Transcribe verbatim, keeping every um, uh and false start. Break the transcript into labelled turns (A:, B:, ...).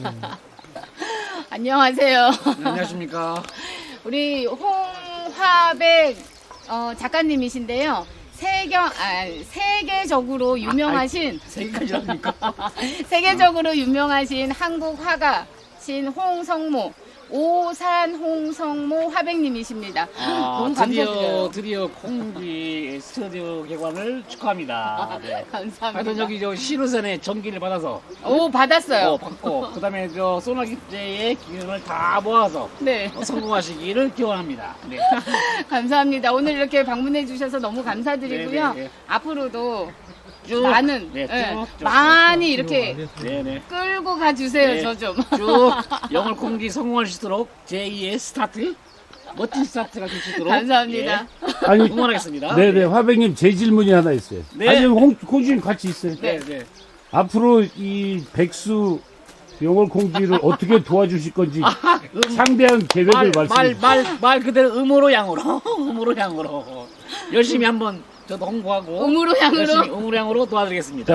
A: 안녕하세요.
B: 네, 안녕하십니까.
A: 우리 홍화백 어, 작가님이신데요. 세경, 아, 세계적으로 유명하신
B: 세기까지랍니까?
A: 세계적으로 유명하신 한국 화가신 홍성모 오산 홍성모 화백님이십니다.
B: 아,
A: 너무
B: 드디어
A: 감사드려요.
B: 드디어 콩지 스튜디오 개관을 축하합니다. 네.
A: 감사합니다.
B: 하여튼 여기 저 시루선의 전기를 받아서
A: 오 받았어요.
B: 어, 받고 그다음에 저 소나기제의 기운을 다 모아서
A: 네.
B: 어, 성공하시기를 기원합니다. 네.
A: 감사합니다. 오늘 이렇게 방문해 주셔서 너무 감사드리고요.
B: 네, 네, 네.
A: 앞으로도
B: 쭉
A: 많은
B: 네,
A: 예,
B: 쭉, 쭉,
A: 많이 이렇게
B: 네네.
A: 끌고 가주세요.
B: 네.
A: 저 좀.
B: 쭉 영월 콩지 성공할 수 있도록 제이의 스타트 멋진 스타트가 될 수 있도록
A: 감사합니다.
B: 예,
C: 아니,
B: 응원하겠습니다.
C: 네네, 화백님, 제 질문이 하나 있어요.
B: 네.
C: 아니, 홍, 홍주님 같이 있어요.
B: 네, 네.
C: 앞으로 이 백수 영월 콩지를 어떻게 도와주실 건지
B: 음,
C: 상대한 계획을
B: 말,
C: 말씀해
B: 말, 말, 말 그대로 음으로 양으로 음으로 양으로 열심히 한번 저도 홍보하고
A: 음으로 양으로.
B: 열심히 음으로 양으로 도와드리겠습니다.